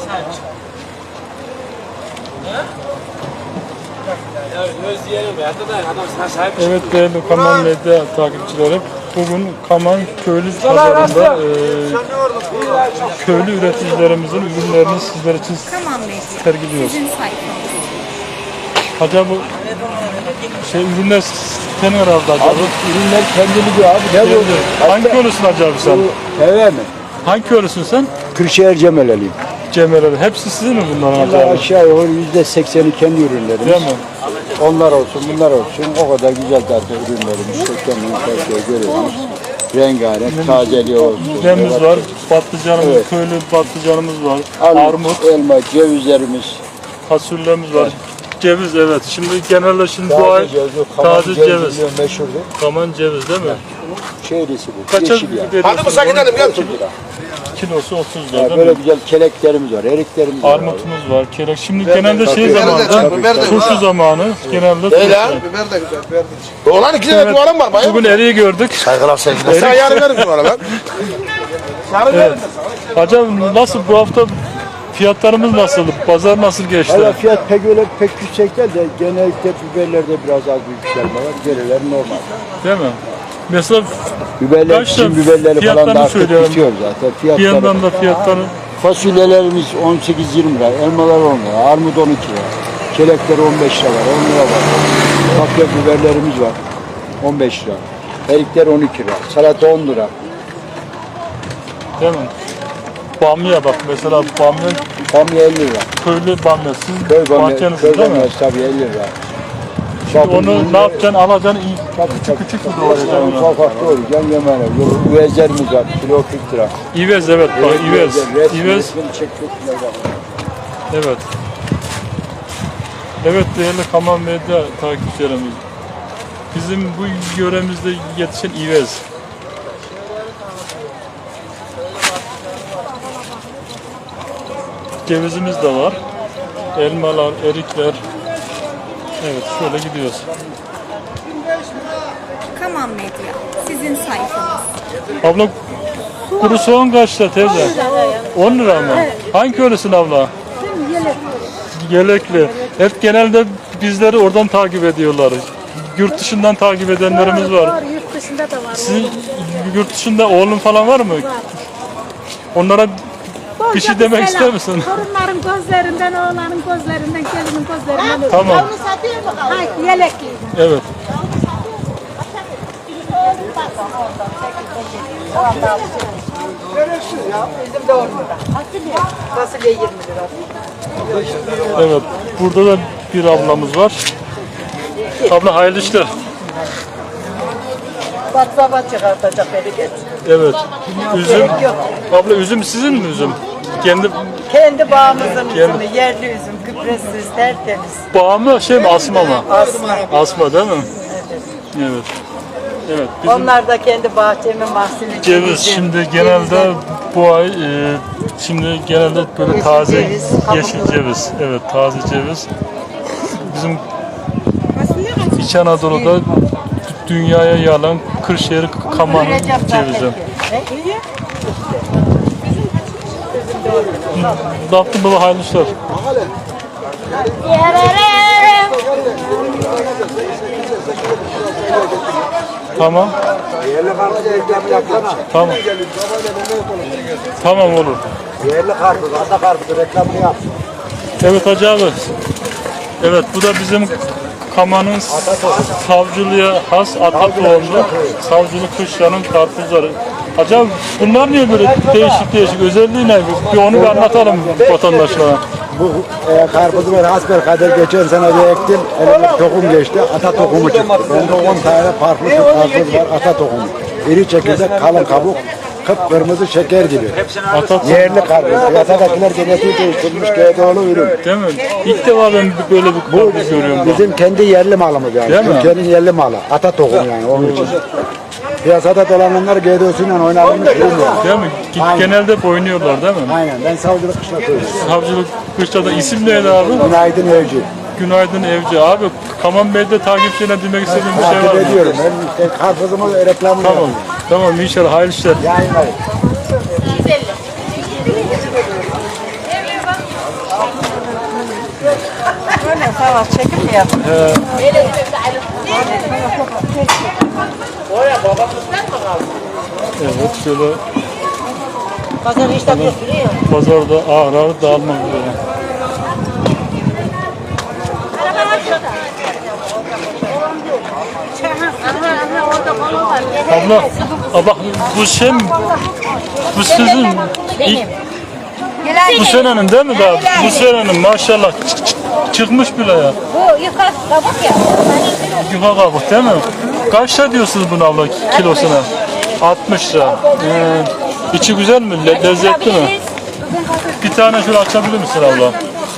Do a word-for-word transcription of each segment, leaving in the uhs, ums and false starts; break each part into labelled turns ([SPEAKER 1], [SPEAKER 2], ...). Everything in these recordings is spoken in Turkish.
[SPEAKER 1] Evet değerli Kaman Medya takipçileri, bugün Kaman Köylü Pazarı'nda e, köylü üreticilerimizin ürünlerini sizler için sergiliyoruz. Acaba bu şey ürünler senin herhalde acaba?
[SPEAKER 2] Abi, ürünler kendini diyor abi. Ne bu?
[SPEAKER 1] Hangi köylüsün acaba sen?
[SPEAKER 2] Evet mi?
[SPEAKER 1] Hangi köylüsün sen?
[SPEAKER 2] Kırşehir Cemaleliyim.
[SPEAKER 1] Cemaleli. Hepsi sizin mi bunların
[SPEAKER 2] Allah
[SPEAKER 1] acaba?
[SPEAKER 2] aşağı yukarı yüzde sekseni kendi ürünlerimiz.
[SPEAKER 1] Değil mi?
[SPEAKER 2] Onlar olsun, bunlar olsun. O kadar güzel zaten ürünlerimiz. Kendini şey görüyoruz. Rengarenk, tazeliği olsun.
[SPEAKER 1] Pidemiz var, patlıcanımız, evet. Köylü patlıcanımız var,
[SPEAKER 2] Armut,
[SPEAKER 1] armut,
[SPEAKER 2] elma, cevizlerimiz.
[SPEAKER 1] fasulyemiz var. Evet. Ceviz, evet. Şimdi genelde şimdi
[SPEAKER 2] Taze
[SPEAKER 1] bu ay
[SPEAKER 2] ceviz,
[SPEAKER 1] taze ceviz.
[SPEAKER 2] ceviz. Meşhurdu.
[SPEAKER 1] Kaman ceviz değil mi?
[SPEAKER 2] Şehrisi bu.
[SPEAKER 1] Kaça
[SPEAKER 2] yeşil yani.
[SPEAKER 1] veriyorsun?
[SPEAKER 3] Hadi mı gidelim gel.
[SPEAKER 2] otuz lira.
[SPEAKER 1] Kilosu otuz lira
[SPEAKER 2] Ya
[SPEAKER 1] değil
[SPEAKER 2] böyle
[SPEAKER 1] mi?
[SPEAKER 2] güzel keleklerimiz var, eriklerimiz var.
[SPEAKER 1] Armutumuz var, kelek. Şimdi
[SPEAKER 2] Biber
[SPEAKER 1] genelde
[SPEAKER 2] de-
[SPEAKER 1] şey
[SPEAKER 2] biber de
[SPEAKER 1] zamanı,
[SPEAKER 3] biber de-
[SPEAKER 1] turşu zamanı. Genelde
[SPEAKER 3] Değil
[SPEAKER 1] turşu.
[SPEAKER 3] ha.
[SPEAKER 4] Biber de güzel, biber de.
[SPEAKER 3] Oğlan iki tane
[SPEAKER 1] Evet.
[SPEAKER 3] duvarım var. Bayım.
[SPEAKER 1] Bugün eriği gördük.
[SPEAKER 3] Saygılar sevgiler. Sen yarın verin duvarı ben. Yarın
[SPEAKER 1] Evet.
[SPEAKER 3] verin de sana.
[SPEAKER 1] Acaba nasıl bu hafta fiyatlarımız nasıl? Pazar nasıl geçti?
[SPEAKER 2] Valla fiyat pek öyle pek yüksek değil de genellikle biberlerde biraz az bir yükselme var. Geriler normal.
[SPEAKER 1] Değil mi? Mesela
[SPEAKER 2] Biberler,
[SPEAKER 1] Kaç
[SPEAKER 2] bizim
[SPEAKER 1] da
[SPEAKER 2] biberleri falan
[SPEAKER 1] fiyatlarını
[SPEAKER 2] da artık
[SPEAKER 1] söyleyelim.
[SPEAKER 2] bitiyor zaten.
[SPEAKER 1] bir
[SPEAKER 2] Fiyatları,
[SPEAKER 1] yandan da fiyatları
[SPEAKER 2] fasulyelerimiz on sekiz yirmi lira, elmalar on lira, armut on iki lira, kelekler on beş lira var, on lira var. Kapya biberlerimiz var, on beş lira. Erikler on iki lira, salata on lira.
[SPEAKER 1] değil mi? Bamya bak mesela bamya
[SPEAKER 2] Bamya elli lira.
[SPEAKER 1] köylü bamya. Siz
[SPEAKER 2] Köy bamya,
[SPEAKER 1] bahçenizin
[SPEAKER 2] köy
[SPEAKER 1] değil mi?
[SPEAKER 2] bamyası tabii elli lira.
[SPEAKER 1] Onu ne yapacaksın? Alacaksın iyi.
[SPEAKER 2] Tabii,
[SPEAKER 1] Küçük
[SPEAKER 2] tabii.
[SPEAKER 1] küçük mü doğrayacaksın onu?
[SPEAKER 2] Ufak ufak doğrayacaksın, yemeğine. Üvezlerimiz var, kilo kırk lira.
[SPEAKER 1] İvez evet bak İvez.
[SPEAKER 2] Resmi,
[SPEAKER 1] İvez
[SPEAKER 2] resmini çek, çok güzel bak.
[SPEAKER 1] evet. Evet değerli Kaman Medya takipçilerimiz. Bizim bu yöremizde yetişen İvez. Cevizimiz de var. Elmalar, erikler. Evet şöyle gidiyoruz.
[SPEAKER 5] Kaman Medya, sizin sayfanız.
[SPEAKER 1] Abla kuru soğan kaçta teyze? on lira mı? Hangi köylüsün abla? Yelekli. Hep genelde bizleri oradan takip ediyorlar. Yurt dışından takip edenlerimiz var.
[SPEAKER 6] Var, yurt dışında da var.
[SPEAKER 1] Sizin yurt dışında oğlun falan var mı? Onlara bir şey demek ister misin?
[SPEAKER 6] Torunların gözlerinden, oğlanın gözlerinden, gelinin gözlerinden.
[SPEAKER 1] Tamam.
[SPEAKER 6] Hayır, yelekli.
[SPEAKER 1] Evet.
[SPEAKER 7] Bizim de on lira. Fasulye yirmi lira.
[SPEAKER 1] Evet. Burada da bir ablamız var. Abla hayırlı işler.
[SPEAKER 7] Baklava çıkartacak beni geç.
[SPEAKER 1] Evet. Üzüm. Abla üzüm sizin mi üzüm? Kendi
[SPEAKER 7] Kendi bağımızın üzümü, yerli üzüm, gübresiz, tertemiz.
[SPEAKER 1] bağı mı şey mi asma mı?
[SPEAKER 7] Asma.
[SPEAKER 1] Asma değil mi? Evet. Evet. Bizim
[SPEAKER 7] Onlar da kendi bahçemin mahsulü.
[SPEAKER 1] ceviz şimdi genelde bu ay e, şimdi genelde böyle
[SPEAKER 7] Yeşil
[SPEAKER 1] taze
[SPEAKER 7] ceviz,
[SPEAKER 1] yeşil
[SPEAKER 7] kabuklu.
[SPEAKER 1] ceviz. Evet taze ceviz. Bizim İç Anadolu'da dünyaya yalan Kırşehir Kaman cevizi. Ne yaptın baba hayırlı işler? Tamam. Tamam. Tamam olur.
[SPEAKER 2] Yerli karpuz, ata karpuz reklamını yap.
[SPEAKER 1] Evet Hacı abi. Evet bu da bizim Kaman'ın savcılığa has ata tohumlu savcılık kışlanın karpuzları. Acaba bunlar niye böyle değişik değişik özelliği ne? Bir onu bir anlatalım vatandaşlara.
[SPEAKER 2] Bu e, karpuzu ben hasbel kader geçen sene bir ektim. Elime tohum geçti. Ata tohumu çıktı. Bende on tane farklı karpuz var. Ata tohumu. İri çekirdek, kalın kabuk. Kıpkırmızı şeker gibi.
[SPEAKER 1] Ata
[SPEAKER 2] Yerli karpuz. Piyasadakiler genetiği değiştirilmiş G D O'lu ürün.
[SPEAKER 1] değil mi? İlk defa ben böyle bir
[SPEAKER 2] Bu
[SPEAKER 1] karpuz görüyorum. ben.
[SPEAKER 2] bizim kendi yerli malımız yani.
[SPEAKER 1] Değil mi?
[SPEAKER 2] Türkiye'nin yerli malı. Ata tohumu yani onun için. Piyasada dolananlar G D O'suyla oynanmış ürün yani.
[SPEAKER 1] Değil mi?
[SPEAKER 2] Aynen.
[SPEAKER 1] Genelde hep oynuyorlar değil mi?
[SPEAKER 2] Aynen. Ben savcılık kışlatıyorum.
[SPEAKER 1] Savcılık kışlada isim neydi abi?
[SPEAKER 2] Günaydın Evci.
[SPEAKER 1] Günaydın Evci. Abi Kaman Medya takipçilerine demek istediğim bir şey var
[SPEAKER 2] Takip
[SPEAKER 1] mı?
[SPEAKER 2] ediyorum. Ben işte karpuzumu reklamını
[SPEAKER 1] Tamam.
[SPEAKER 2] yapıyorum.
[SPEAKER 1] Tamam inşallah hayırlı işler.
[SPEAKER 2] Yayınlayın.
[SPEAKER 7] var. Çekim mi yapın?
[SPEAKER 1] He. Evet şöyle
[SPEAKER 7] Pazar işte götürüyor.
[SPEAKER 1] pazarda ağır ağır dağılmak üzere. Abla, abla bu şey mi? Bu sizin ilk, bu senenin değil mi daha? Bu senenin maşallah çık- çık- çıkmış bile ya.
[SPEAKER 6] Bu yukarı kabuk ya.
[SPEAKER 1] Yuka kabuk değil mi? Kaç lira diyorsunuz bunu abla kilosuna? altmış lira. Ee, içi güzel mi? Le- lezzetli mi? Bir tane şöyle açabilir misin abla?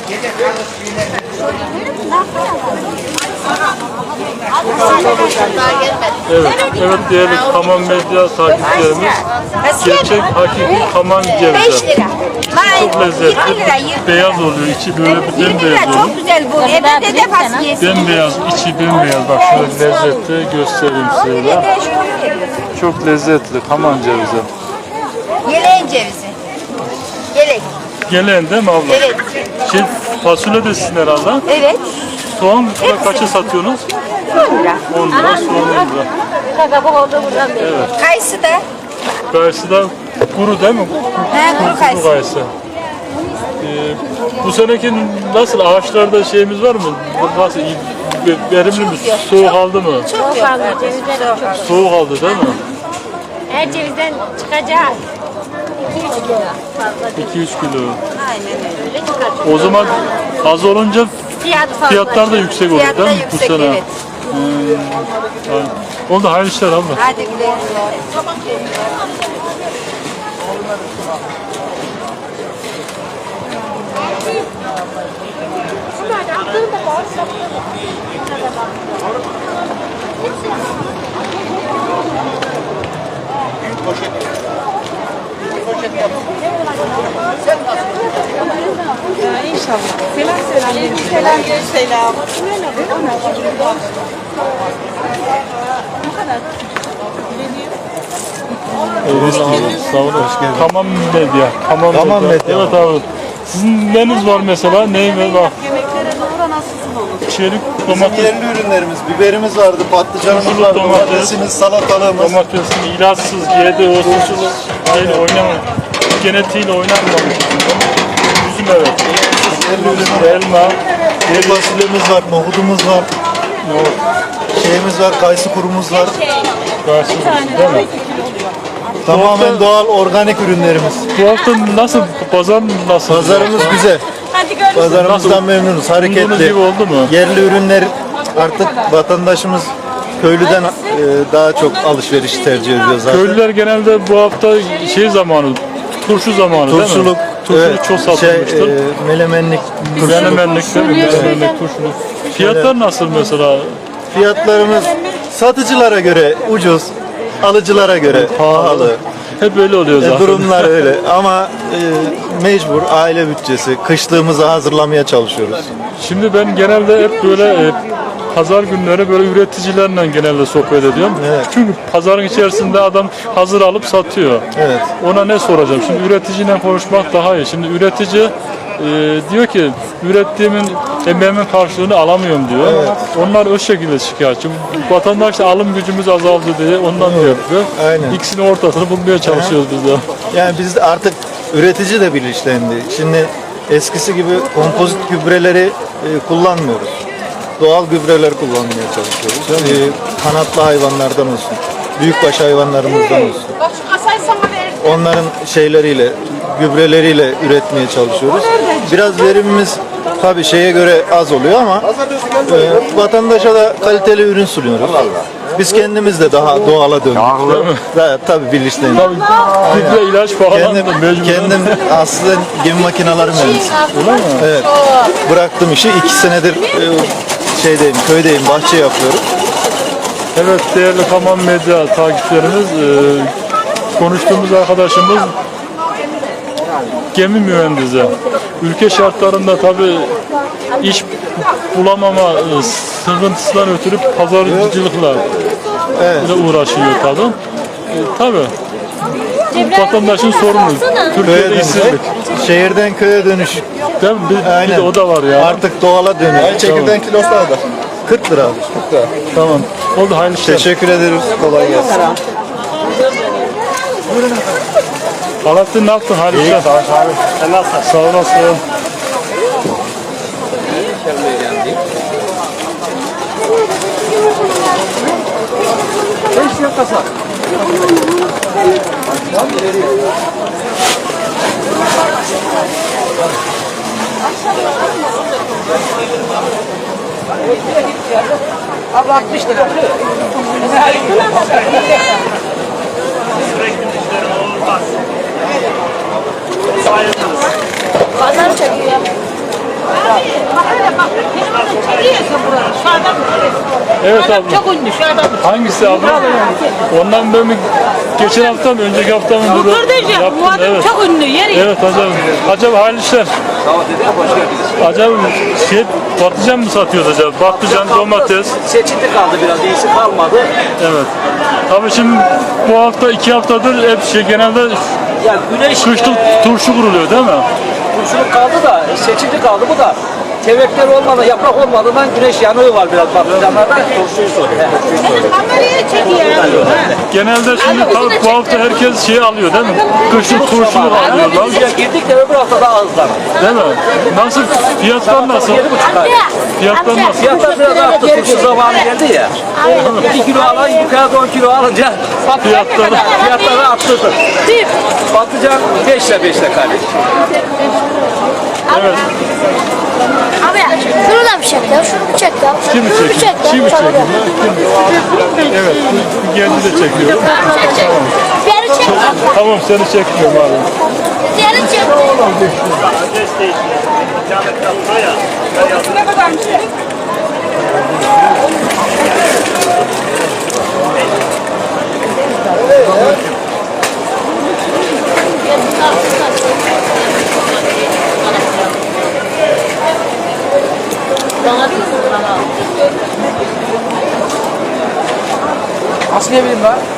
[SPEAKER 1] Evet, evet değerli Kaman Medya takipçilerimiz. Gerçek hakiki Kaman cevizi. Çok lezzetli. Beyaz oluyor, içi böyle bir bembeyaz oluyor.
[SPEAKER 6] Çok güzel bu. Evde de fasulye.
[SPEAKER 1] Bembeyaz, içi bembeyaz. Bak şöyle lezzetli göstereyim size de. Çok lezzetli Kaman cevizi.
[SPEAKER 6] Yeleğin cevizi. Yelek.
[SPEAKER 1] Gelen değil mi abla?
[SPEAKER 6] Evet.
[SPEAKER 1] Şey, fasulye de sizin herhalde.
[SPEAKER 6] Evet.
[SPEAKER 1] Soğan kaça satıyorsunuz?
[SPEAKER 6] on lira.
[SPEAKER 1] on lira, soğan on lira.
[SPEAKER 6] Kabuk oldu buradan beri. Evet. Kayısı da.
[SPEAKER 1] Karşıda kuru değil mi?
[SPEAKER 6] He, kuru
[SPEAKER 1] Kuru
[SPEAKER 6] kayısı.
[SPEAKER 1] kayısı. Ee, bu seneki nasıl ağaçlarda şeyimiz var mı? Nasıl iyi, ve- verimli mi? Soğuk aldı mı?
[SPEAKER 6] Çok fazla cevizden çok.
[SPEAKER 1] Soğuk aldı değil mi?
[SPEAKER 6] Her cevizden çıkacak. iki üç kilo fazla.
[SPEAKER 1] iki üç kilo.
[SPEAKER 6] Aynen öyle çıkacak.
[SPEAKER 1] O zaman az olunca
[SPEAKER 6] Fiyatı fazla.
[SPEAKER 1] fiyatlar da yüksek olur
[SPEAKER 6] Fiyat da
[SPEAKER 1] değil mi bu
[SPEAKER 6] yüksek,
[SPEAKER 1] sene?
[SPEAKER 6] evet.
[SPEAKER 1] Hmm, aynen. Oldu hayırlı işler abla.
[SPEAKER 6] Hadi güle güle.
[SPEAKER 7] İnşallah. Selam selam. Selam selam.
[SPEAKER 1] Evet, sağ olun. Tamam medya. Tamam,
[SPEAKER 2] Tamam medya.
[SPEAKER 1] Evet abi. Sizin neniz var mesela? Neyin var?
[SPEAKER 7] Yemeklere doğru nasılsın olur?
[SPEAKER 1] Çelik,
[SPEAKER 4] Bizim
[SPEAKER 1] domates,
[SPEAKER 4] yerli ürünlerimiz, biberimiz vardı, patlıcanımız
[SPEAKER 1] Turşulu
[SPEAKER 4] vardı,
[SPEAKER 1] domates.
[SPEAKER 4] domatesimiz, salatalığımız.
[SPEAKER 1] domatesin ilaçsız, yedi olsun. Şeyle oynama. Genetiğiyle oynanmamış. Üzüm evet.
[SPEAKER 4] Yerli ürünler.
[SPEAKER 1] Elma,
[SPEAKER 4] Kuru fasulyemiz var, nohudumuz var, şeyimiz var, kayısı kurumuz var.
[SPEAKER 1] karşımız değil mi?
[SPEAKER 4] Tamamen doğal, organik ürünlerimiz.
[SPEAKER 1] Bu hafta nasıl? Pazar nasıl?
[SPEAKER 4] Pazarımız güzel.
[SPEAKER 6] Hadi görüşürüz.
[SPEAKER 4] Pazarımızdan memnunuz,
[SPEAKER 1] Umduğunuz
[SPEAKER 4] hareketli.
[SPEAKER 1] gibi oldu mu?
[SPEAKER 4] Yerli ürünler artık vatandaşımız köylüden e, daha çok alışveriş tercih ediyor zaten.
[SPEAKER 1] Köylüler genelde bu hafta şey zamanı, turşu zamanı değil mi?
[SPEAKER 4] Turşuluk,
[SPEAKER 1] Turşuluk
[SPEAKER 4] evet,
[SPEAKER 1] çok
[SPEAKER 4] şey,
[SPEAKER 1] satılmıştır.
[SPEAKER 4] e, melemenlik, turşuluk.
[SPEAKER 1] Menemenlik değil mi? Menemenlik, turşuluk. Fiyatlar nasıl mesela?
[SPEAKER 4] Fiyatlarımız satıcılara göre ucuz, alıcılara göre pahalı.
[SPEAKER 1] Hep öyle oluyor
[SPEAKER 4] E,
[SPEAKER 1] zaten.
[SPEAKER 4] durumlar öyle ama e, mecbur aile bütçesi, kışlığımızı hazırlamaya çalışıyoruz.
[SPEAKER 1] Şimdi ben genelde hep böyle e, pazar günleri böyle üreticilerle genelde sohbet ediyorum.
[SPEAKER 4] Evet.
[SPEAKER 1] Çünkü pazarın içerisinde adam hazır alıp satıyor.
[SPEAKER 4] Evet.
[SPEAKER 1] Ona ne soracağım? Şimdi üreticiyle konuşmak daha iyi. Şimdi üretici e, diyor ki ürettiğimin emeğimin karşılığını alamıyorum diyor. Onlar o şekilde şikayetçi. Vatandaş da alım gücümüz azaldı diye ondan diyor.
[SPEAKER 4] Aynen.
[SPEAKER 1] İkisinin ortasını bulmaya çalışıyoruz biz de.
[SPEAKER 4] Yani biz de artık üretici de bilinçlendi. Şimdi eskisi gibi kompozit gübreleri e, kullanmıyoruz. Doğal gübreler kullanmaya çalışıyoruz. E, kanatlı hayvanlardan olsun, büyükbaş hayvanlarımızdan olsun. Onların şeyleriyle, gübreleriyle üretmeye çalışıyoruz. Biraz verimimiz tabii şeye göre az oluyor ama e, vatandaşa da kaliteli ürün sunuyoruz. Biz kendimiz de daha doğala döndük. Daha, tabii bilinçlendik.
[SPEAKER 1] Gübre ilaç falan
[SPEAKER 4] Kendim,
[SPEAKER 1] da mecbur.
[SPEAKER 4] kendim aslında gemi makineleri mühendisiyim. Evet. Bıraktım işi. iki senedir e, şeydeyim, köydeyim, bahçe yapıyorum.
[SPEAKER 1] Evet değerli Kaman Medya takipçilerimiz, e, konuştuğumuz arkadaşımız gemi mühendisi. Ülke şartlarında tabi iş bulamama e, sıkıntısından ötürü pazarcılıkla
[SPEAKER 4] Evet.
[SPEAKER 1] ile uğraşıyor tabi. E, tabi vatandaşın sorunu.
[SPEAKER 4] Köye
[SPEAKER 1] Türkiye'de
[SPEAKER 4] dönüş.
[SPEAKER 1] işsizlik.
[SPEAKER 4] Şehirden köye dönüş.
[SPEAKER 1] Değil mi? Bir, bir
[SPEAKER 4] Aynen.
[SPEAKER 1] de o da var ya.
[SPEAKER 4] Artık doğala dönüyor.
[SPEAKER 3] Çekirdeğin kilosu da orada.
[SPEAKER 4] kırk lira abi.
[SPEAKER 1] Tamam. Oldu, hayırlı işler.
[SPEAKER 4] Teşekkür ederiz. Kolay gelsin.
[SPEAKER 1] Alaaddin ne yaptın? Hayırlı işler. Sen nasılsın? Sağ olasın.
[SPEAKER 6] Pazar çekiyor.
[SPEAKER 1] Evet abi.
[SPEAKER 6] Çok ünlü şu adam.
[SPEAKER 1] Hangisi abi? Ondan ben mi? Geçen hafta mı? Önceki hafta mı? Burada
[SPEAKER 6] Kardeşim
[SPEAKER 1] yaptım,
[SPEAKER 6] bu adam
[SPEAKER 1] evet.
[SPEAKER 6] çok ünlü. Yeri.
[SPEAKER 1] Evet acaba. Acaba hayırlı işler. Acaba şey patlıcan mı satıyoruz acaba? Patlıcan, domates.
[SPEAKER 8] Seçildi kaldı biraz, iyisi kalmadı.
[SPEAKER 1] Evet. Tabii şimdi bu hafta iki haftadır hep şey genelde
[SPEAKER 8] Ya güneş
[SPEAKER 1] kışlık
[SPEAKER 8] e,
[SPEAKER 1] turşu kuruluyor değil mi?
[SPEAKER 8] turşuluk kaldı da seçildi kaldı bu da. Tevekler olmadan, yaprak olmadığından güneş yanığı var biraz patlıcanlarda. Turşuyu soruyor.
[SPEAKER 6] Kamerayı çekiyor.
[SPEAKER 1] Genelde şimdi tabii bu hafta herkes şey alıyor değil mi? Kışlık turşuluk alıyorlar.
[SPEAKER 8] Biz ya girdik de öbür hafta daha hızlan.
[SPEAKER 1] Değil mi? Nasıl? Fiyatlar nasıl?
[SPEAKER 8] Yedi buçuk ay.
[SPEAKER 1] Fiyatlar nasıl?
[SPEAKER 8] Fiyatlar biraz arttı, turşu zamanı geldi ya. iki kilo alan yukarıda on kilo alınca
[SPEAKER 1] Fiyatlar.
[SPEAKER 8] fiyatları arttırdı. Patlıcan beş ile beş ile kardeş.
[SPEAKER 1] Evet.
[SPEAKER 9] Abi şunu da bir çek ya, şunu bir çek ya.
[SPEAKER 1] Kimi
[SPEAKER 9] Şunu bir
[SPEAKER 1] çekiyor?
[SPEAKER 9] çek ya.
[SPEAKER 1] Kimi
[SPEAKER 9] Tabii.
[SPEAKER 1] çekiyor? Kim? Evet. Bir genci de çekiyor.
[SPEAKER 9] Diğeri çek.
[SPEAKER 1] Tamam seni çekmiyorum abi.
[SPEAKER 9] Diğeri çek.
[SPEAKER 8] Nasıl ne bileyim lan?